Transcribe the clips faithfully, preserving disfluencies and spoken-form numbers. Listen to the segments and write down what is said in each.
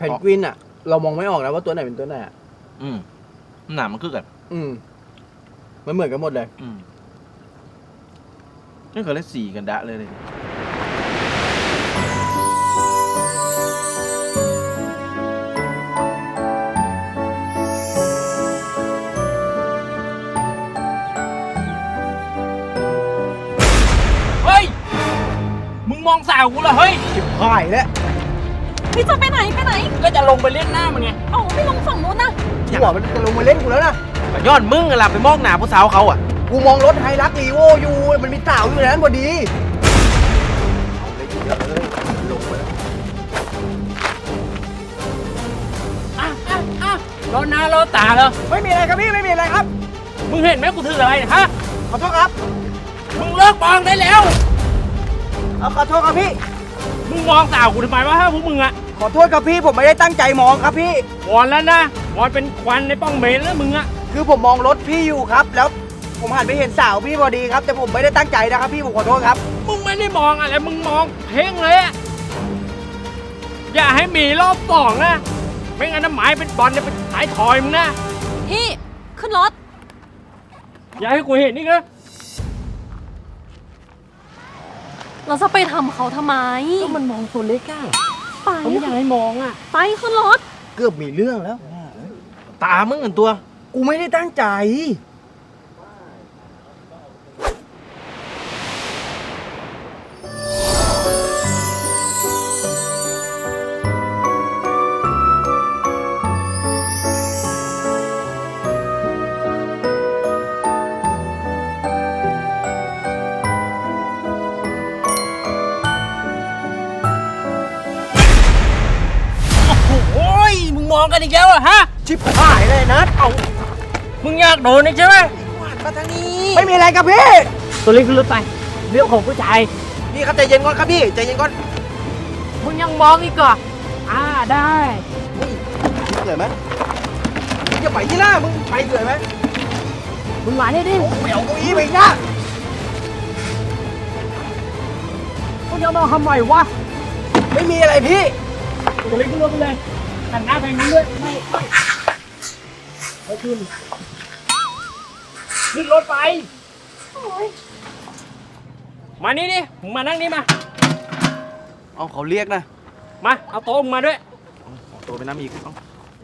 นกวินอ่ะเรามองไม่ออกนะว่าตัวไหนเป็นตัวไหนอ่ะอืมหนามันคือกันอืมมันเหมือนกันหมดเลยอืมนี่เขาเล่นสีกันดะเลยเลยเฮ้ยมึงมองสาวกูเหรอเฮ้ยชิบหายแล้วพี่จะไปไหนไปไหนก็จะลงไปเล่นหน้ามันไงเอ้าไม่ลงฝั่งนู้นนะหัวมันจะลงมาเล่นกูแล้วนะย้อนมึงอะล่ะไปมองหนาผู้สาวเขาอ่ะกูมองรถไฮรักรีโวอยู่มันมีสาวอยู่ในนั้นพอดีเอาเลยเยอะเลยลงไปแล้วอ่ะอ่ะอ่ะรถหน้ารถตาเหรอไม่มีอะไรครับพี่ไม่มีอะไรครับมึงเห็นไหมกูถืออะไรฮะขอโทษครับมึงเลิกมองได้แล้วเอาขอโทษครับพี่มึงมองสาวกูทำไมวะฮะพวกมึงอะขอโทษครับพี่ผมไม่ได้ตั้งใจมองครับพี่วอนแล้วนะวอนเป็นควันในป้องเมนแล้วมึงอะคือผมมองรถพี่อยู่ครับแล้วผมหันไปเห็นสาวพี่พอดีครับแต่ผมไม่ได้ตั้งใจนะครับพี่ผมขอโทษครับมึงไม่ได้มองอะไรมึงมองเพ่งเลยอะอย่าให้มีรอบสองนะไม่งั้นน้ำหมายเป็นบอลเนี่ยเป็นสายถอยมึงนะพี่ขึ้นรถอย่าให้กูเห็นนี่นะเราจะไปทำเขาทำไมก็มันมองตัวเล็กอะไปผมอยากให้มองอะไปขึ้นรถเกือบมีเรื่องแล้วตามึงเหมือนตัวกูไม่ได้ตั้งใจมองกันอีกแล้วอะฮะชิบหายเลยนะเอามึงอยากโดนนี่ใช่ไหมมาทางนี้ไม่มีอะไรครับพี่ตัวเล็กขึ้นรถไปเรื่องของผู้ชายพี่ครับใจเย็นก่อนครับพี่ใจเย็นก่อนมึงยังมองอีกเหรออ่าได้เกิดไหมจะไปที่ล่ามึงไปเกิดไหมมึงมาได้ดิไม่เอาเก้าอี้ไปนะมึงยังมาทำไมวะไม่มีอะไรพี่ตัวเล็กขึ้นรถไปเลยหันหน้าไปนี้ด้วยไม่ไม่ไม่ขึ้นขึ้นรถไปมานี่ดิมึงมานั่งนี่มาเอาเขาเรียกนะมาเอาโต๊ะมึงมาด้วยเอาโต๊ะไปนั่งอีกเอา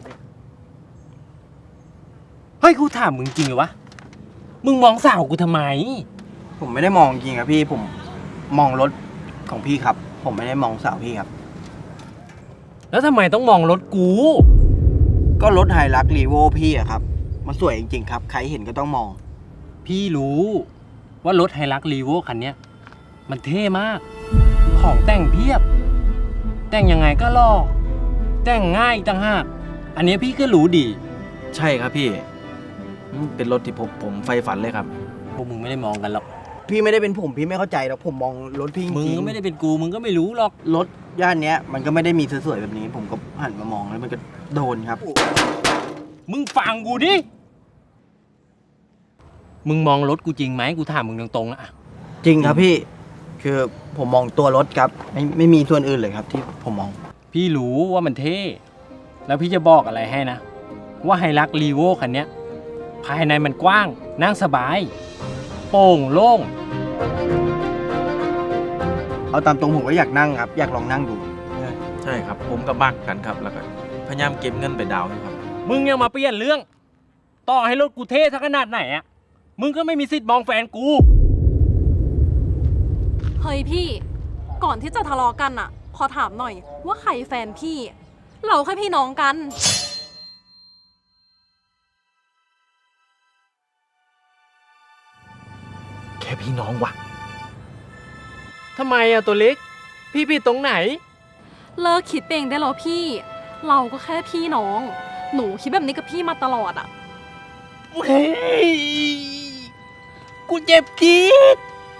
เฮ้ยกูถามมึงจริงเหรอวะมึงมองสาวกูทำไมผมไม่ได้มองจริงครับพี่ผมมองรถของพี่ครับผมไม่ได้มองสาวพี่ครับแล้วทำไมต้องมองรถกูก็รถไฮรักรีโวพี่อะครับมันสวยจริงๆครับใครเห็นก็ต้องมองพี่รู้ว่ารถไฮรักรีโวคันนี้มันเท่มากของแต่งเพียบแต่งยังไงก็หล่อแต่งง่ายต่างหากอันนี้พี่ก็รู้ดีใช่ครับพี่เป็นรถที่ผมผมไฟฝันเลยครับพวกมึงไม่ได้มองกันหรอกพี่ไม่ได้เป็นผมพี่ไม่เข้าใจหรอกผมมองรถพี่จริงมึงก็ไม่ได้เป็นกูมึงก็ไม่รู้หรอกรถย่านเนี้ยมันก็ไม่ได้มีสวยๆแบบนี้ผมก็หันมามองแล้วมันก็โดนครับมึงฟังกูดิมึงมองรถกูจริงไหมกูถามมึงตรงๆอะจริงครับพี่คือผมมองตัวรถครับไม่ไม่มีส่วนอื่นเลยครับที่ผมมองพี่รู้ว่ามันเท่แล้วพี่จะบอกอะไรให้นะว่าไฮรักรีโวคันนี้ภายในมันกว้างนั่งสบายโปร่งโล่งเอาตามตรงผมก็อยากนั่งครับอยากลองนั่งดูใช่ครับผมก็บักกันครับแล้วก็พยายามเก็บเงินไปดาวครับมึงยังมาเปลี่ยนเรื่องต่อให้รถกูเท่สักขนาดไหนอะมึงก็ไม่มีสิทธิ์มองแฟนกูเฮ้ยพี่ก่อนที่จะทะเลาะกันอะขอถามหน่อยว่าใครแฟนพี่เราแค่พี่น้องกันแค่พี่น้องวะทำไมอะตัวเล็กพี่ผิดตรงไหนเลิกคิดเองได้แล้วพี่เราก็แค่พี่น้องหนูคิดแบบนี้กับพี่มาตลอดอะเฮ้ยกูเจ็บจี๊ด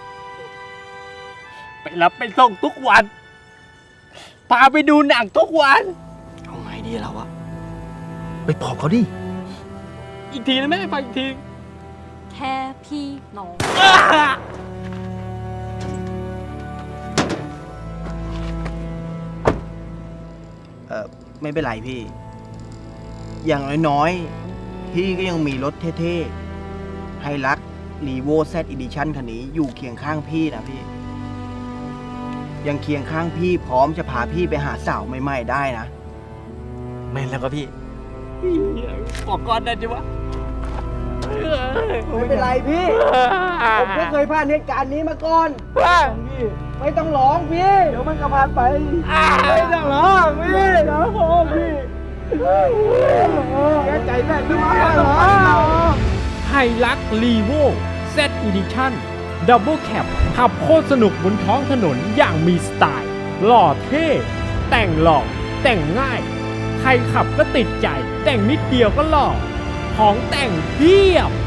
ไปรับไปส่งทุกวันพาไปดูหนังทุกวันเอาไงดีเราอะไปบอกเขาดิอีกทีนะแม่ไปอีกทีแค่พี่น้องเออไม่เป็นไรพี่ อย่างน้อยๆ พี่ก็ยังมีรถเท่ๆ ให้รักรีโวแซดอีดิชั่นคันนี้อยู่เคียงข้างพี่นะพี่ ยังเคียงข้างพี่พร้อมจะพาพี่ไปหาสาวใหม่ๆได้นะแม่นแล้วก็พี่ขอก่อนได้จิวะไม่เป็นไรพี่ ผมก็เคยผ่านเหตุการณ์นี้มาก่อนพี่ไม่ต้องร้องพี่ เดี๋ยวมันก็ผ่านไป ไม่ต้องร้องพี่เดี๋ยวโอ้พี่แกใจแม่พี่ไม่ต้องร้องไฮลักรีโว Z Edition Double Cab ขับโคตรสนุกบนท้องถนนอย่างมีสไตล์ หล่อเท่ แต่งหล่อ แต่งง่าย ใครขับก็ติดใจ แต่งนิดเดียวก็หล่อ ของแต่งเพียบ